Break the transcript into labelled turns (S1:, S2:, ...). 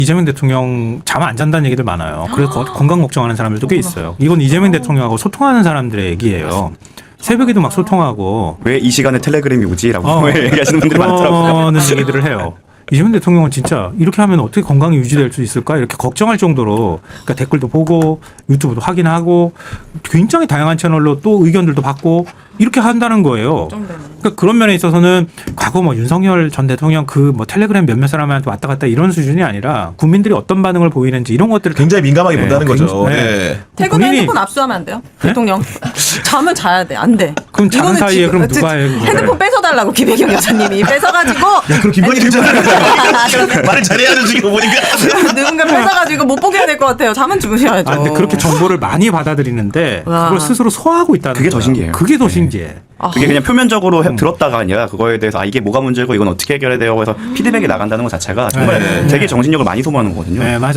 S1: 이재명 대통령 잠 안 잔다는 얘기들 많아요. 그래서 건강 걱정하는 사람들도 꽤 있어요. 이건 이재명 대통령하고 소통하는 사람들의 얘기예요. 새벽에도 막 소통하고
S2: 왜 이 시간에 텔레그램이 오지라고 얘기하시는 분들이 많더라고요.
S1: 그러는 얘기들을 해요. 이재명 대통령은 진짜 이렇게 하면 어떻게 건강이 유지될 수 있을까 이렇게 걱정할 정도로 그러니까 댓글도 보고 유튜브도 확인하고 굉장히 다양한 채널로 또 의견들도 받고 이렇게 한다는 거예요. 그러니까 그런 면에 있어서는 과거 뭐 윤석열 전 대통령 그 뭐 텔레그램 몇몇 사람한테 왔다 갔다 이런 수준이 아니라 국민들이 어떤 반응을 보이는지 이런 것들을
S3: 굉장히 민감하게
S1: 네,
S3: 본다는 거죠.
S1: 굉장히- 네.
S3: 네.
S4: 퇴근에
S1: 본인이-
S4: 핸드폰 압수하면 안 돼요? 대통령. 잠은 자야 돼. 안 돼.
S1: 그럼 자는
S4: 이거는
S1: 사이에
S4: 지금
S1: 그럼 누가 해?
S4: 핸드폰 뺏어달라고 김혜경 여사님이 뺏어가지고
S3: 그럼 김건희 괜찮아요. 말을 잘해야죠 지금 보니까.
S4: 누군가 뺏어가지고 못 보게 해야 될 것 같아요. 잠은 주무셔야죠.
S1: 아, 근데 그렇게 정보를 많이 받아들이는데
S4: 와.
S1: 그걸 스스로 소화하고 있다는
S2: 그게 더
S1: 거야.
S2: 신기해요.
S1: 그게 더 신기해.
S2: 그게 그냥 표면적으로 들었다가 아니라 그거에 대해서 아 이게 뭐가 문제고 이건 어떻게 해결해야 돼요 해서 피드백이 나간다는 것 자체가 정말
S1: 네.
S2: 되게 정신력을 많이 소모하는 거거든요.
S1: 네, 맞아요.